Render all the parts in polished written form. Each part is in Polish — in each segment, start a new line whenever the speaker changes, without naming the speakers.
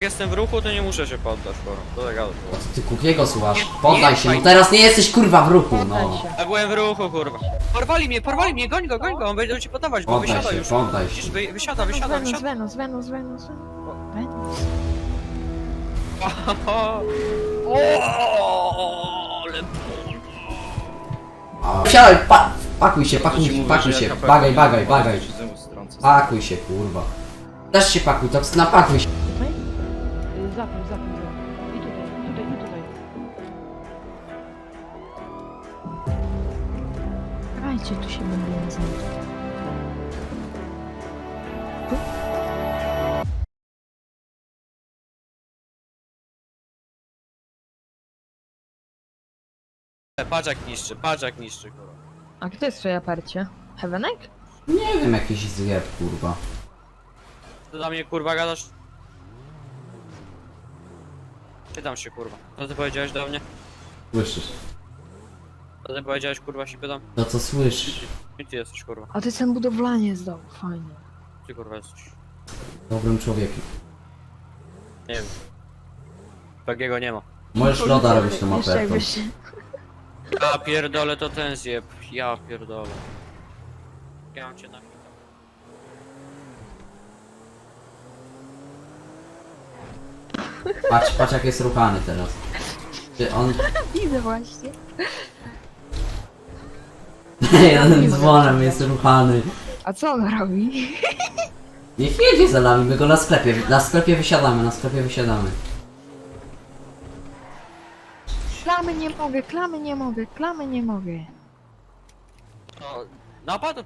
jestem w ruchu, to nie muszę się poddać, kurwa. To tak gada.
Ty Kukiego słuchasz? Poddaj się, no teraz nie jesteś kurwa w ruchu, no.
Ja byłem w ruchu, kurwa. Porwali mnie, goń go, on będzie ci podawać, bo
Poddaj
wysiada
się,
już.
poddaj się.
Widzisz, wysiada.
Venus.
O, ale
Wsiadaj, pakuj się, bagaj. Pakuj się, kurwa. Też się pakuj, to napakuj się.
Tutaj? Zapił. I tutaj. Dajcie, tu się będziemy znać.
patrz jak niszczy, kurwa.
A kto jest w twojej aparcie? Heavenek?
Nie wiem, jakiś zjeb, kurwa.
Ty do mnie, kurwa, gadasz? Pytam się, kurwa. Co ty powiedziałeś do mnie?
Słyszysz?
Co ty powiedziałeś, kurwa, się pytam?
To co słyszysz?
Gdzie ty jesteś, kurwa?
A ty ten budowlanie zdał, fajnie.
Ty, kurwa, jesteś.
Dobrym człowiekiem.
Nie wiem. Takiego nie ma.
Możesz loda robić tą
Jeszcze
apertą.
jakbyś...
Ja pierdolę, to ten zjeb. Ja pierdolę. Ja mam cię na...
Patrz jak jest ruchany teraz. Ty on...
Widzę właśnie.
Jeden dzwonem jest ruchany.
A co on robi?
Niech jedzie za nami, my go na sklepie wysiadamy.
Klamy nie mogę.
O, napadł?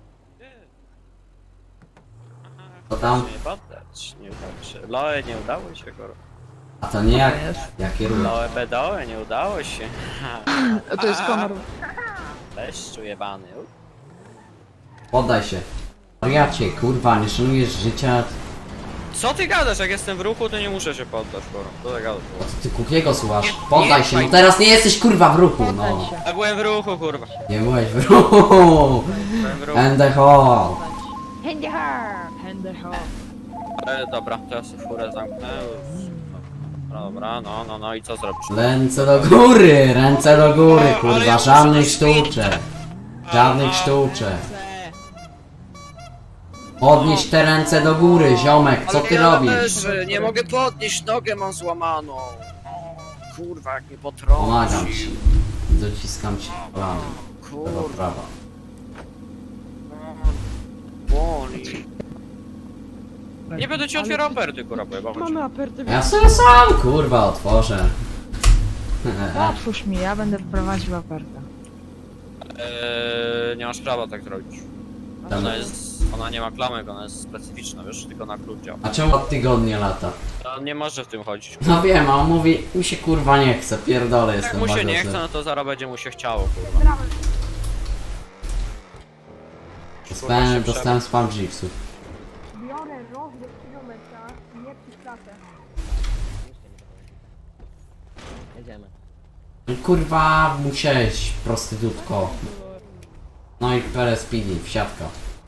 To tam,
Nie poddać, nie udało się. Loe, nie udało się, kurwa.
a to nie jakie ruchy.
Loe, bedoe, nie udało się.
A to jest Konor.
Leszczu jebany.
Poddaj się. Wariacie, kurwa, nie szanujesz życia.
Co ty gadasz? Jak jestem w ruchu, to nie muszę się poddać, kurwa. To tak gada.
Ty Kukiego słuchasz? Poddaj się, no teraz nie jesteś kurwa w ruchu, no.
Ja byłem w ruchu, kurwa.
Nie byłeś w ruchu.
Byłem w ruchu.
And the hall.
Hender
Dobra, to ja sobie furę zamknę. Dobra, no i co zrobisz?
Ręce do góry, kurwa, żadnych sztuczek. Podnieś te ręce do góry, ziomek, co ty robisz?
Nie mogę podnieść, nogę mam złamaną. Kurwa, jak mnie potrącił.
Pomagam ci. Dociskam ci planem. Lewa,
Kurwa,
prawa.
boli. Nie będę ci otwierał aperty, kurwa, bo ja
Mamy aperty.
Ja sobie sam, kurwa, otworzę.
Otwórz mi, ja będę prowadził apertę.
Nie masz prawa tak zrobić. Ona nie ma klamek, ona jest specyficzna, wiesz, tylko na klucz działa.
A czemu od tygodnia lata?
On nie może w tym chodzić.
No wiem, a on mówi, mi się kurwa nie chce, pierdolę
Jak
jestem
mu się nie
łagodny.
chce, no to zaraz będzie mu się chciało, kurwa.
Dostałem spam jeepsów.
Biorę rozbieg kilometra, nie przystatę.
Jedziemy.
Kurwa, musiałeś, prostytutko. No i Speedy, wsiadka.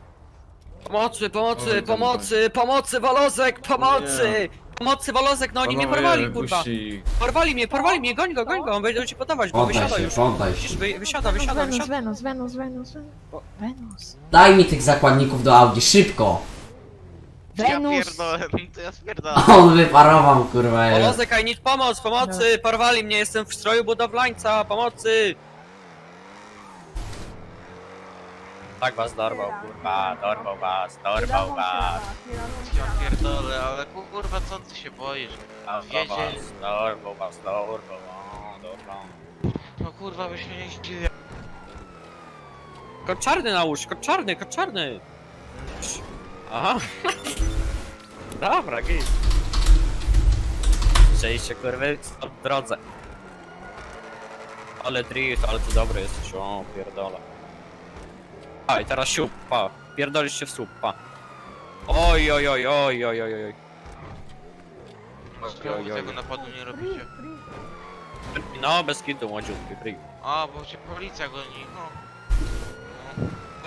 Pomocy, Wolozek, pomocy! Pomocy, Wolozek, no oni mnie porwali, kurwa. Porwali mnie, goń go, on będzie ci podawać, bo wysiada już.
Poddaj się.
Widzisz, wysiada.
Venus.
Daj mi tych zakładników do Audi, szybko!
Ja pierdolę, to ja spierdolę.
A on wyparował, kurwa.
Wolozek, I need pomocy, porwali mnie, jestem w stroju budowlańca, pomocy! Tak was dorwał, kurwa, dorwał was.
Ja pierdolę, ale kurwa co ty się boisz?
Dorwał was.
No kurwa byś mnie nie zdziwił.
Kot czarny nałóż, kot czarny! Aha. Dobra, git. Przejście, kurwy, w drodze. Ale drift, ale ty dobry jesteś, o pierdolę. A i teraz siup, pa. Pierdolisz się w słup, pa. Oj.
Znowu tego napadu nie robicie.
No, bez kitu, młodziutki, free.
A, bo cię policja goni, no.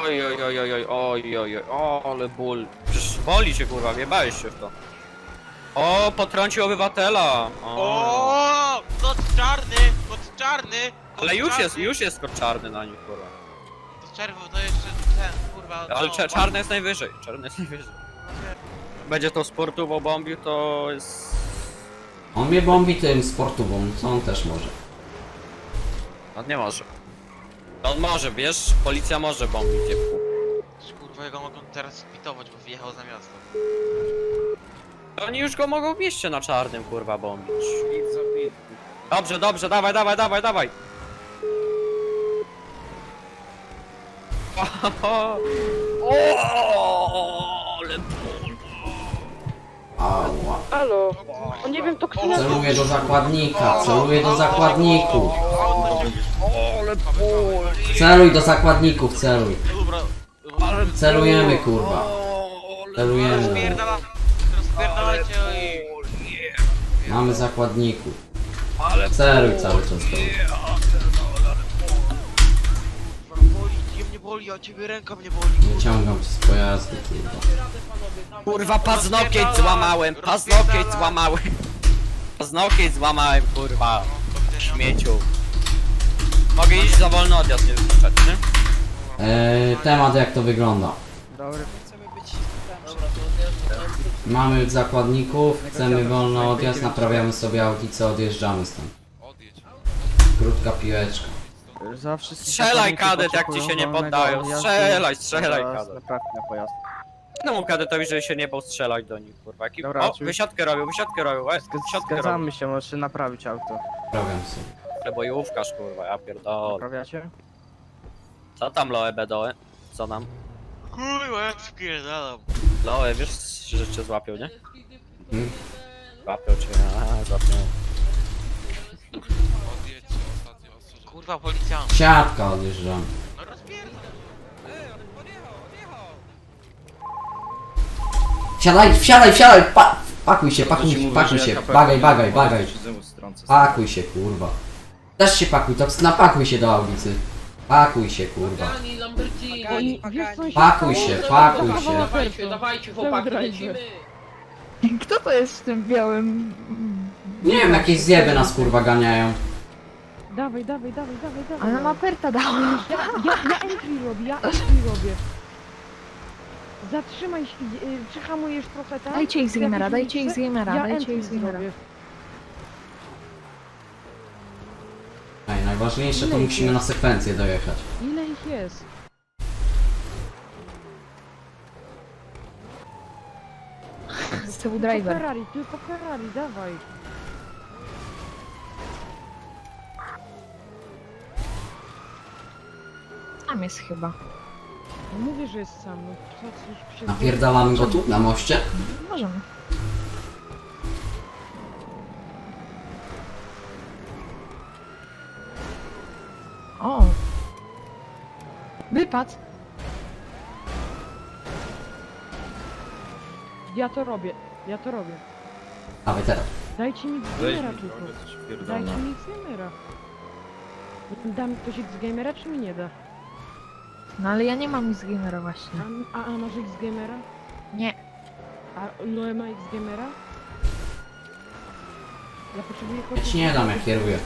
Oj, o, ale ból. Przecież boli cię, kurwa, wjebałeś się w to. O, potrącił obywatela!
O, kot czarny, kot czarny! Kot
Ale
czarny.
już jest kot czarny na nich, kurwa.
To czerwo to jeszcze ten, kurwa.
Ale
no,
czarny jest najwyżej, czarny jest najwyżej. Będzie to sportowo bombił, to jest...
On mnie bombi tym sportową, co on też może.
On nie może. On może, wiesz? Policja może bombić, dziewku.
Kurwa, jego mogą teraz spitować, bo wyjechał za miasto.
Oni już go mogą w mieście na czarnym, kurwa, bombić. Dobrze, dobrze, dawaj, dawaj, dawaj, dawaj! O, ale
Ała.
Halo. O nie wiem, to kto nas...
Celuję do zakładnika, celuję do zakładników. Celuj do zakładników, celuj.
Dobra,
Celujemy, kurwa. Celujemy.
rozpierdalajcie i...
Mamy zakładników. Celuj cały czas do nich.
Boli, mnie boli, a ciebie ręka mnie boli.
Wyciągam cię z pojazdu, kurwa.
Kurwa, paznokieć złamałem, paznokieć złamałem. Paznokieć złamałem, kurwa. Śmieciu. Mogę iść za wolny odjazd, nie wypuszczać, nie?
Temat jak to wygląda. Mamy zakładników, chcemy wolny odjazd, naprawiamy sobie audicę, odjeżdżamy stąd. Krótka piłeczka.
Strzelaj, kadet, jak ci się nie poddają. Strzelaj, strzelaj, kadet.
Naprawmy na pojazd.
No mu kadetowi, że się nie bał strzelać do nich, kurwa.
Dobra,
O,
oczywiście.
wysiadkę robił, wysiadkę robił, wysiadkę robił.
Zgadzamy się, możesz naprawić auto.
Naprawiam sobie.
Bojówkarz, kurwa, ja pierdolę.
Naprawiacie?
Co tam, Loe, bedoe? Co nam?
Kurwa, jak spierdalam.
Loe, wiesz, że cię złapią, nie?
Hmm?
Złapią cię, złapią.
Kurwa, policjant.
Siatka odjeżdżamy.
No rozpierdam.
Wsiadaj, wsiadaj, wsiadaj! Pakuj się, pakuj się. Bagaj, bagaj, bagaj. Pakuj się, kurwa. Też się pakuj, to napakuj się do audicy. Pakuj się, kurwa.
Oni... Wiesz co się
Pakuj
stało?
się, pakuj się.
Dawajcie,
Dawajcie chłopaki, lecimy!
Kto to jest w tym białym...
Nie wiem, jakieś zjeby nas kurwa ganiają.
Dawaj, dawaj, dawaj, dawaj, dawaj.
Ale ma perta dała.
Ja entry robię, ja entry robię. Zatrzymaj się, przyhamujesz trochę tam.
Dajcie ich z gamera, dajcie ich z gamera,
Ja
dajcie
entry
ich z gamera.
zrobię.
Ej, najważniejsze to musimy na sekwencję dojechać.
Ile ich jest?
Z tyłu
Tylko
driver.
Ferrari, tylko Ferrari, dawaj.
Tam jest chyba.
No mówię, że jest sam, no co coś się...
Napierdalamy go tu, na moście?
Możemy. O! Wypad!
Ja to robię, ja to robię.
Dawaj teraz.
Dajcie mi z gamera tylko. Dajcie mi z gamera. Da mi ktoś z gamera, czy mi nie da?
No ale ja nie mam ich z gamera właśnie.
A masz z gamera?
Nie.
A ile ma z gamera? Ja potrzebuję
Ja ci nie dam, jak kieruję.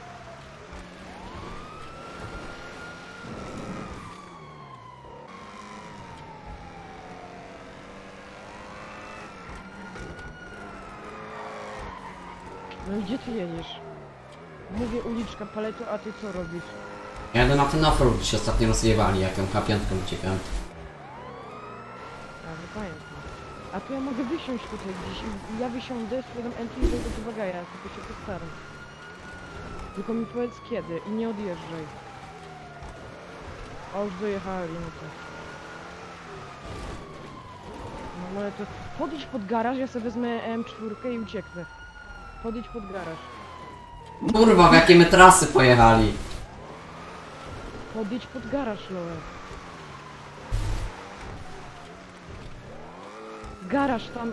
No i gdzie ty jedziesz? Mówię uliczka paleto, a ty co robisz?
Ja jadę na ten offroad, gdzie się ostatnio rozjewali, jak ją K5 uciekałem.
A, no pamiętam. A tu ja mogę wysiąść tutaj gdzieś. Ja wysiądę, sprzedam entry i wejdę do bagaja, tylko się postaram. Tylko mi powiedz kiedy i nie odjeżdżaj. O, już dojechali, no to. No ale to... Podejdź pod garaż, ja sobie wezmę M4 i ucieknę. Podejdź pod garaż.
Kurwa, w jakie my trasy pojechali.
Podejdź pod garaż, Loe. Garaż tam.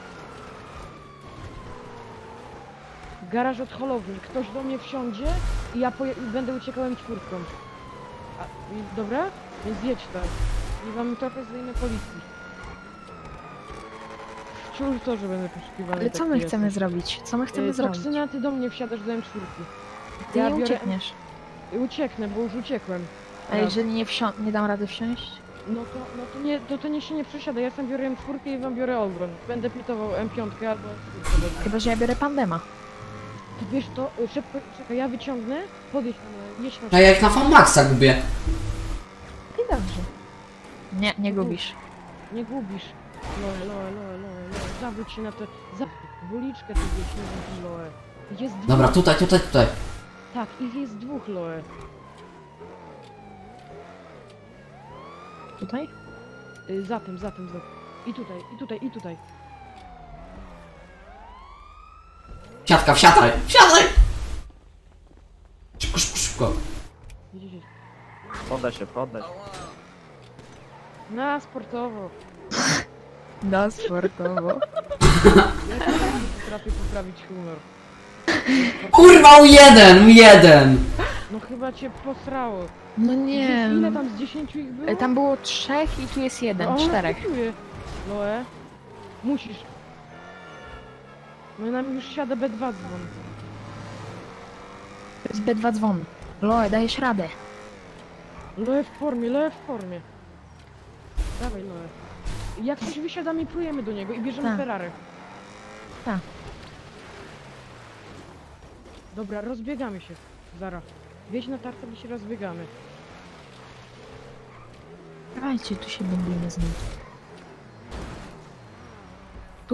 Garaż od holowni. Ktoś do mnie wsiądzie i ja będę uciekał M4. Dobra? Więc jedź tam. I wam trochę zdejmę policji. przy ultorze będę poszukiwany.
Ale co my chcemy zrobić? Co my chcemy zrobić?
Toksyna, ty do mnie wsiadasz do M4.
Ty
ja
nie
biorę-
uciekniesz.
Ucieknę, bo już uciekłem.
A jeżeli nie dam rady wsiąść?
To nie się nie przesiada, ja sam biorę M4 i wam biorę Ogron. Będę pitował M5 albo M4.
Chyba, że ja biorę Pandema.
Ty wiesz to, szybko, czekaj, ja wyciągnę, podjedź tam, jedź na
A ja jak na Maxa gubię.
I dobrze. Nie gubisz.
Nie gubisz. Loe, zawróć się na te, w uliczkę tu gdzieś, nie wiem, Loe. Jest dwóch,
Dobra, tutaj.
tak, ich jest dwóch, Loe.
Tutaj?
Za tym. I tutaj.
Siatka, wsiadaj! Szybko.
Widzicie?
Poddaj się.
Na sportowo.
No, sportowo.
Ja potrafię poprawić humor.
Kurwa, U1!
No chyba cię posrało.
No nie.
Ile tam z 10 ich było?
Tam było 3 i tu jest 1, 4.
Loe, musisz. No nam już siada B2 dzwon.
To jest B2 dzwon. Loe, dajesz radę.
Loe w formie. Dawaj Loe. Jak coś wysiadamy i plujemy do niego i bierzemy
Tak.
Ferrari.
Tak.
Dobra, rozbiegamy się. Zara. Wieź na tarczę i się rozbiegamy.
Dawajcie, tu się będziemy z nim. Tu?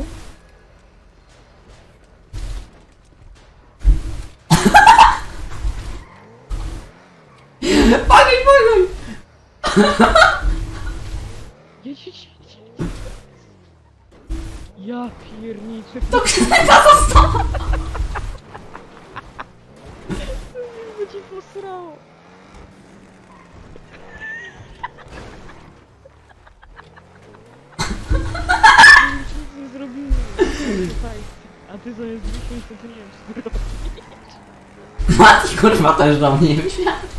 Bagaj!
Jedź. Ja pierniczę.
To kneta została!
Co ci posrało? Nic nie zrobimy. Słuchaj, a ty zamiast 10 to ty nie wiem, co zrobić.
Mati kurwa też do mnie wsiadł.